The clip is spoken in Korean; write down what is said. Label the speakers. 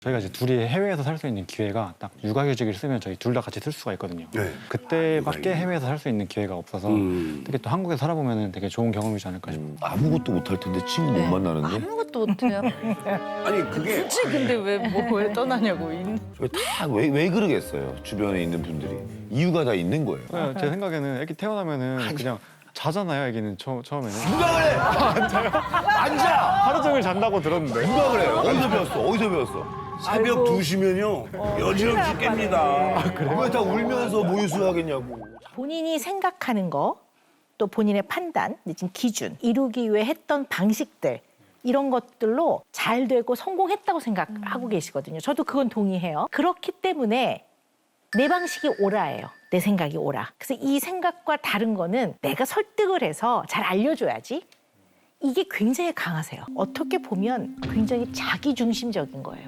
Speaker 1: 저희가 이제 둘이 해외에서 살 수 있는 기회가 딱 육아휴직을 쓰면 저희 둘 다 같이 쓸 수가 있거든요.
Speaker 2: 네.
Speaker 1: 그때밖에 해외에서 살 수 있는 기회가 없어서 되게 또 한국에서 살아보면 되게 좋은 경험이지 않을까 싶어요.
Speaker 3: 아무것도 못할 텐데 친구 못 만나는데
Speaker 4: 아무것도 못해요.
Speaker 2: 아니 그게
Speaker 4: 굳이 근데 왜 떠나냐고.
Speaker 3: 왜 그러겠어요? 주변에 있는 분들이 이유가 다 있는 거예요.
Speaker 1: 제 생각에는 애기 태어나면은 그냥 자잖아요. 애기는 처음에는
Speaker 3: 누가 그래? 앉아.
Speaker 1: 하루 종일 잔다고 들었는데.
Speaker 3: 누가 그래? 어디서 배웠어? 어디서 배웠어?
Speaker 2: 새벽 2시면요 여지없이 깹니다.
Speaker 3: 왜 다 울면서 모유수 하겠냐고.
Speaker 5: 본인이 생각하는 거, 또 본인의 판단, 내진 기준, 이루기 위해 했던 방식들 이런 것들로 잘 되고 성공했다고 생각하고 계시거든요. 저도 그건 동의해요. 그렇기 때문에 내 방식이 옳아예요. 내 생각이 옳아. 그래서 이 생각과 다른 거는 내가 설득을 해서 잘 알려줘야지. 이게 굉장히 강하세요. 어떻게 보면 굉장히 자기중심적인 거예요.